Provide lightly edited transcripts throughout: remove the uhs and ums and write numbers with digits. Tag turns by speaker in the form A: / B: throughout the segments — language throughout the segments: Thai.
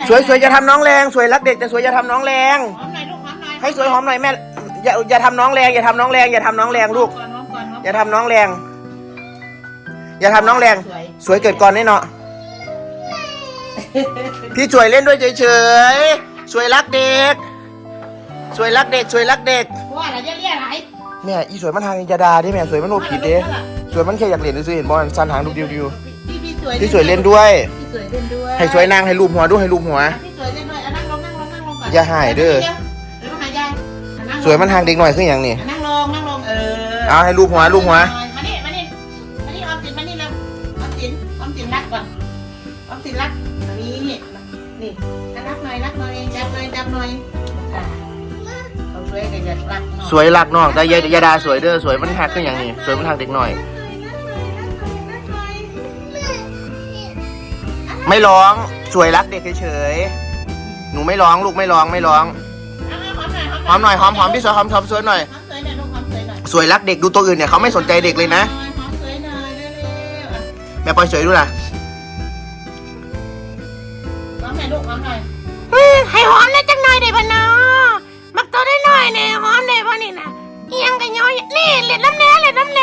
A: สวยอย่าทำน้องแรงสวยรักเด็กแต่สวยอย่าทำน้องแรง
B: หอมหน่อยลูกหอมหน่อย
A: ให้สวยหอมหน่อยแม่อย่าทำน้องแรงอย่าทำน้องแรงอย่าทำน้องแรงลูกอย่าทำน้องแรงอย่าทำน้องแรงสวยเกิดก่อนแน่เนาะพี่สวยเล่นด้วยเฉยๆสวยรักเด็กสวยรักเด็กสวยรักเด็ก
B: ว่าอะไรเรียกอะไร
A: แม่อีสวยมันทางยาดาดิแม่สวยมันโนผิดเด้สวยมันแค่อยากเล่นซื้อเห็นบอลซันหางดูดิวพี่สวยเล่นด้วยให้สวยนางให้รูปหัวด้วยให้รูปหัว
B: พี่สวยเล่นด้วยนั่งลงก่อน
A: อย่าหายเด้อสวยมันทางเด็กหน่อยขึ้นอย่างนี้
B: นั่งลง
A: เอาให้รูปหัว
B: มานี่ออมสินแล้วออมสินรักก่อนออมสินรักนี่รักหน่อยจับหน่อย
A: สวยรักน้องแต่ยาดาสวยเด้อสวยมันหักขึ้นอย่างนี้สวยมันทางเด็กหน่อยไม่ร้องสวยรักเด็กเฉยๆหนูไม่ร้องลูกไม่ร้องหอมหน่อยหอมพี่สวยหอมสวยหน่อยสวยรักเด็กดูตัวอื่นเนี่ยเขาไม่สนใจเด็กเลยนะแม่ปอยสวยดูล่ะ
B: หอมหน่อยลูกหอมหน่อย
C: ให้หอมได้จังหน่อยได้ป่ะเนาะมักตัวได้หน่อยเนี่ยหอมได้ป่ะนี่นะยังกันย้อยนี่เล่นน้ำแน่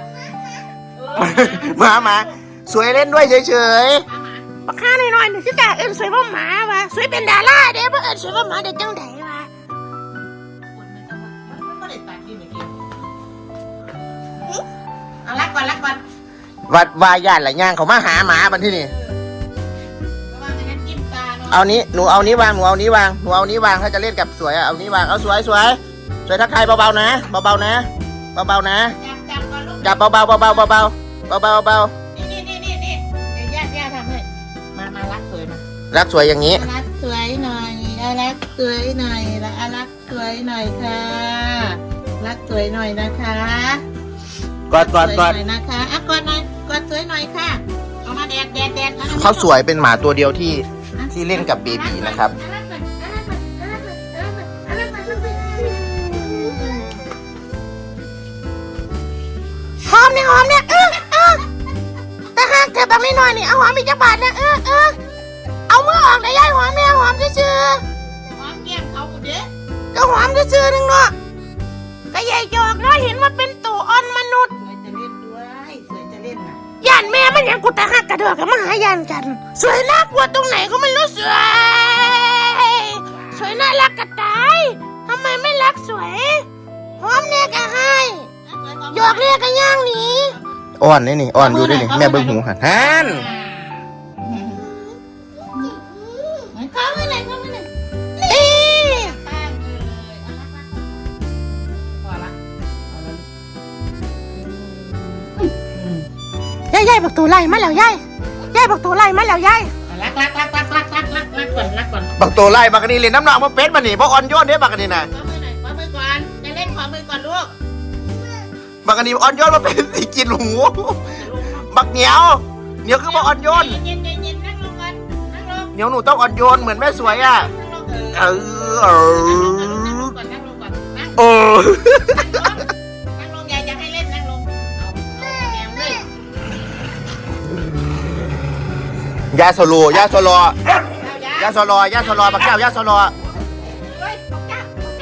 A: มาสวยเล่นด้วยเฉย
C: ปากข้าหน่อยนี่สิแต่เอิญสวยพ่อหมาวะสวยเป็นดาราเด้บ่เอิญสวยพ่อหมาเด็กจังไดวะ
B: รักก่อน
A: วายานหลายย่างเขามาหาหมาบันที่นี่เอานี้หนูเอานี้วางถ้าจะเล่นกับสวยเอานี้วางเอาสวยทักทายเบาๆนะจับเบา
B: นี่ย่าทำให้มารักสวยมา
A: รักสวยอย่างนี้
B: รักสวยหน่อยรักสวยหน่อยรักสวยหน่อยค่ะรักสวยหน่อยนะคะ
A: กอด
B: นะคะกอดหน่อยกอดสวยหน่อยค่ะเอามาแดด
A: เขาสวยเป็นหมาตัวเดียวที่เล่นกับเบบีนะครับ
C: หอมเนี่ยแต่หากเธอแบบนี้หน่อยนี่เอาหอมอีกจักบาทนะเอามือออกได้ย่ายหอมเนี่ยหอมซื่อ
B: หอมแก้มเขาเด้
C: ก็หอมซื่อนึงเนาะก็ใหญ่จอกเนาะเห็นว่าเป็นตัวอ่อนมนุษย์
B: สวยจะเล่นด้วยสวยจะเล่นนะ
C: ย่านแม่มันยังกูแต่หักกระเดือกกับมาหายานกันสวยน่ากลัวตรงไหนก็ไม่รู้สวยน่ารักกระตายทำไมไม่รักสวยหอมเนี่ยก็ให้หยอกเนี่ยก็ย่างหนี
A: อ่อนนี่อ่อนอยู่ด้วยนี่แม่เบิ้งหูหัน
B: เข้าไปเลย
C: ยายบอกตัวไล่มาแล้วยายบอกตัวไล่มาแล้วยาย
B: รักก่อน
A: บักโตไล่บักนี่เล่นน้ำหนักมาเป็ดมาหนิเพราะอ่อนโยนเนี่ยบักนี่นะ
B: ขอมือก่อนจะเล่นขอมือก่อนลูก
A: บักนี่อ่อนโยนมาเป็นสีกินหูบักเหนียวคือบักอ่อนโยน
B: เย็นนั่งลงก่อนนั่งลง
A: เหนียวหนูต้องอ่อนโยนเหมือนแม่สวยอ่ะนั่งลงก่อนนั่ง
B: ลงยายจะให้เล่นนั่งลง
A: ยาโซโลบักแก้วยาโซโล
B: เฮ้ยบักเจ้า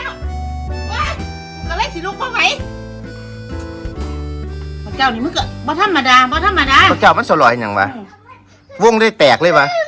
B: ก็เลยสิลูกพ่อไหวบักเจ้านี่มึงก็บ่ธรรมดา
A: บักเจ้ามันสลอยอย่างวะวงได้แตกเลยวะ